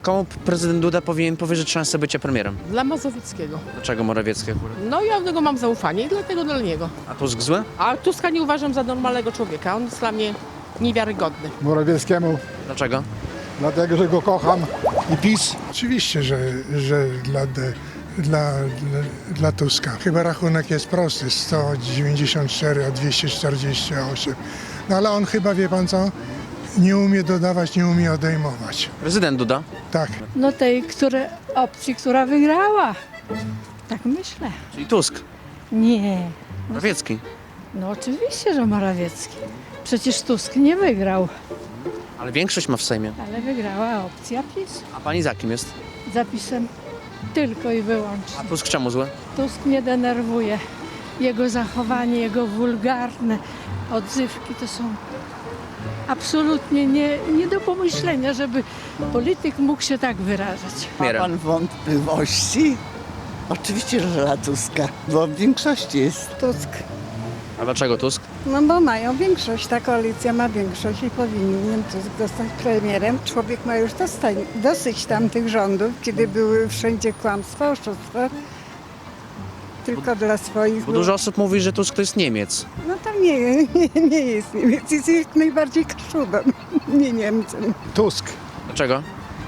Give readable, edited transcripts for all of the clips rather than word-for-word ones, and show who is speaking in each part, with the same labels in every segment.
Speaker 1: Komu prezydent Duda powinien powierzyć szansę bycia premierem?
Speaker 2: Dla Mazowieckiego.
Speaker 1: Dlaczego Morawiecki akurat?
Speaker 2: No ja do niego mam zaufanie i dlatego dla niego.
Speaker 1: A Tusk zły?
Speaker 2: A Tuska nie uważam za normalnego człowieka. On jest dla mnie niewiarygodny.
Speaker 3: Morawieckiemu,
Speaker 1: Dlaczego?
Speaker 3: dlatego że go kocham i PiS.
Speaker 4: Oczywiście, że dla Tuska. Chyba rachunek jest prosty, 194 a 248. No ale on chyba, wie pan co, nie umie dodawać, nie umie odejmować.
Speaker 1: Prezydent Duda?
Speaker 4: Tak.
Speaker 5: No tej opcji, która wygrała. Tak myślę.
Speaker 1: Czyli Tusk.
Speaker 5: Nie.
Speaker 1: Morawiecki.
Speaker 5: No oczywiście, że Morawiecki. Przecież Tusk nie wygrał,
Speaker 1: Ale większość ma w Sejmie.
Speaker 5: ale wygrała opcja PiS.
Speaker 1: A pani za kim jest?
Speaker 5: Zapisem tylko i
Speaker 1: A
Speaker 5: wyłącznie.
Speaker 1: Tusk czemu zły?
Speaker 5: Tusk mnie denerwuje. Jego zachowanie, jego wulgarne odzywki to są absolutnie nie do pomyślenia, żeby polityk mógł się tak wyrażać.
Speaker 6: Ma
Speaker 1: Premierem.
Speaker 6: pan wątpliwości? Oczywiście, że dla Tuska, bo w większości jest.
Speaker 7: Tusk.
Speaker 1: A dlaczego Tusk?
Speaker 7: No bo mają większość, ta koalicja ma większość i powinien Tusk zostać premierem. Człowiek ma już dosyć tamtych rządów, kiedy były wszędzie kłamstwa, oszustwa. Tylko dla swoich.
Speaker 1: Bo dużo osób mówi, że Tusk to jest Niemiec.
Speaker 7: No tam nie jest Niemiec, jest jak najbardziej Kaszubem, nie Niemcem.
Speaker 3: Tusk,
Speaker 1: Dlaczego?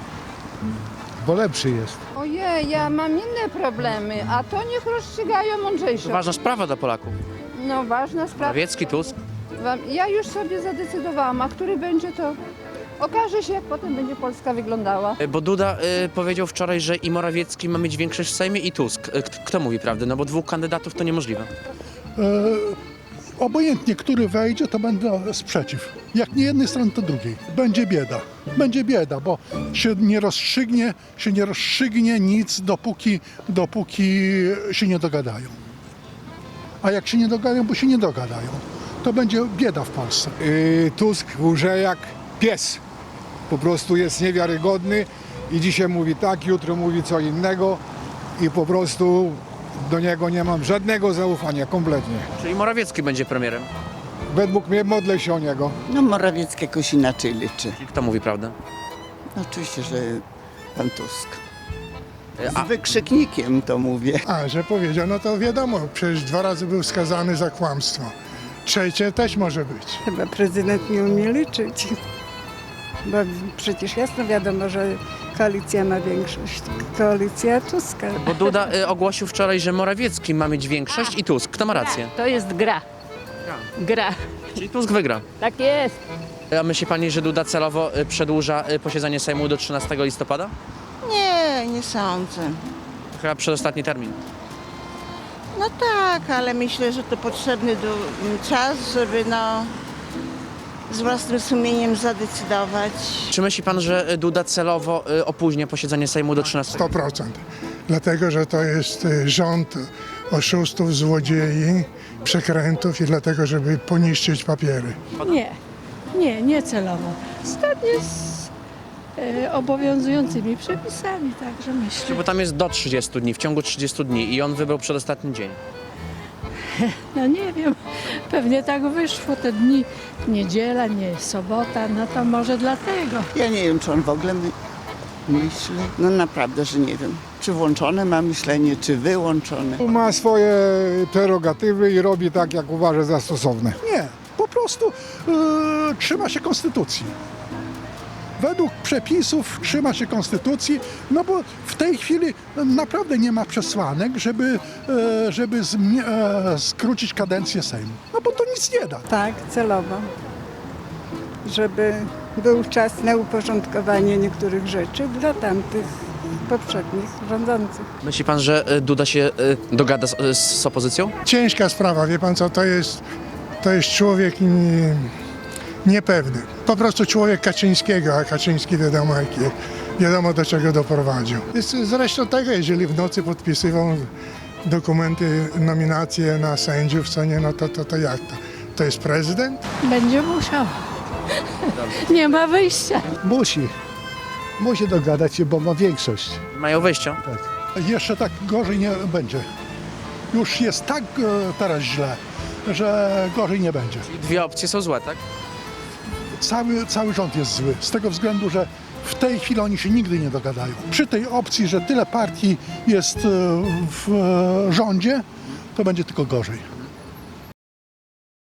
Speaker 3: bo lepszy jest.
Speaker 8: Ojej, ja mam inne problemy, a to niech rozstrzygają
Speaker 1: To
Speaker 8: mądrzejsze.
Speaker 1: ważna sprawa dla Polaków.
Speaker 8: No ważna sprawa.
Speaker 1: Morawiecki, Tusk.
Speaker 8: Ja już sobie zadecydowałam, a który będzie to okaże się, jak potem będzie Polska wyglądała.
Speaker 1: Bo Duda powiedział wczoraj, że i Morawiecki ma mieć większość w Sejmie i Tusk. Kto mówi prawdę? No bo dwóch kandydatów to niemożliwe.
Speaker 9: Obojętnie, który wejdzie, to będę sprzeciw. Jak nie jednej strony, to drugiej. Będzie bieda. Będzie bieda, bo się nie rozstrzygnie nic, dopóki się nie dogadają. A jak się nie dogadają, bo się nie dogadają, to będzie bieda w Polsce.
Speaker 3: Tusk łże jak pies. Po prostu jest niewiarygodny i dzisiaj mówi tak, jutro mówi co innego i po prostu do niego nie mam żadnego zaufania, kompletnie.
Speaker 1: Czyli Morawiecki będzie premierem.
Speaker 3: Według mnie modlę się o niego.
Speaker 6: No Morawiecki jakoś inaczej liczy.
Speaker 1: Czyli kto mówi prawdę?
Speaker 6: No, oczywiście, że pan Tusk.
Speaker 1: A
Speaker 6: Z wykrzyknikiem to mówię.
Speaker 4: A, że powiedział, no to wiadomo, przecież 2 razy był skazany za kłamstwo. Trzecie też może być.
Speaker 7: Chyba prezydent nie umie liczyć. Bo przecież jasno wiadomo, że koalicja ma większość. Koalicja Tuska.
Speaker 1: bo Duda ogłosił wczoraj, że Morawiecki ma mieć większość i Tusk. Kto ma rację?
Speaker 2: To jest gra. Gra.
Speaker 1: Czyli Tusk wygra.
Speaker 2: Tak jest.
Speaker 1: A myśli pani, że Duda celowo przedłuża posiedzenie Sejmu do 13 listopada?
Speaker 10: Nie, nie sądzę.
Speaker 1: Chyba przedostatni termin.
Speaker 10: No tak, ale myślę, że to potrzebny czas, żeby z własnym sumieniem zadecydować.
Speaker 1: Czy myśli pan, że Duda celowo opóźnia posiedzenie Sejmu do 13?
Speaker 4: 100%. Dlatego, że to jest rząd oszustów, złodziei, przekrętów i dlatego, żeby poniszczyć papiery.
Speaker 5: Nie celowo. Zgodnie z obowiązującymi przepisami, także myślę.
Speaker 1: Bo tam jest do 30 dni, w ciągu 30 dni i on wybrał przedostatni dzień.
Speaker 5: No nie wiem, pewnie tak wyszło te dni, niedziela, nie sobota, no to może dlatego.
Speaker 6: Ja nie wiem, czy on w ogóle myśli. No naprawdę, że nie wiem. Czy włączone ma myślenie, czy wyłączone.
Speaker 3: Ma swoje prerogatywy i robi tak, jak uważa za stosowne.
Speaker 9: Nie, po prostu trzyma się konstytucji. Według przepisów trzyma się konstytucji, no bo w tej chwili naprawdę nie ma przesłanek, żeby skrócić kadencję Sejmu. No bo to nic nie da.
Speaker 7: Tak, celowo. Żeby był czas na uporządkowanie niektórych rzeczy dla tamtych poprzednich rządzących.
Speaker 1: Myśli pan, że Duda się dogada z opozycją?
Speaker 4: Ciężka sprawa, wie pan co, to jest człowiek niepewny. Po prostu człowiek Kaczyńskiego, a Kaczyński wiadomo do czego doprowadził. Zresztą tego, jeżeli w nocy podpisywał dokumenty, nominacje na sędziów, co nie, no to jak to? To jest prezydent?
Speaker 5: Będzie musiał. Nie ma wyjścia.
Speaker 3: Musi dogadać się, bo ma większość.
Speaker 1: Mają wyjścia.
Speaker 9: Jeszcze tak gorzej nie będzie. Już jest tak teraz źle, że gorzej nie będzie.
Speaker 1: Dwie opcje są złe, tak?
Speaker 9: Cały rząd jest zły, z tego względu, że w tej chwili oni się nigdy nie dogadają. Przy tej opcji, że tyle partii jest w rządzie, to będzie tylko gorzej.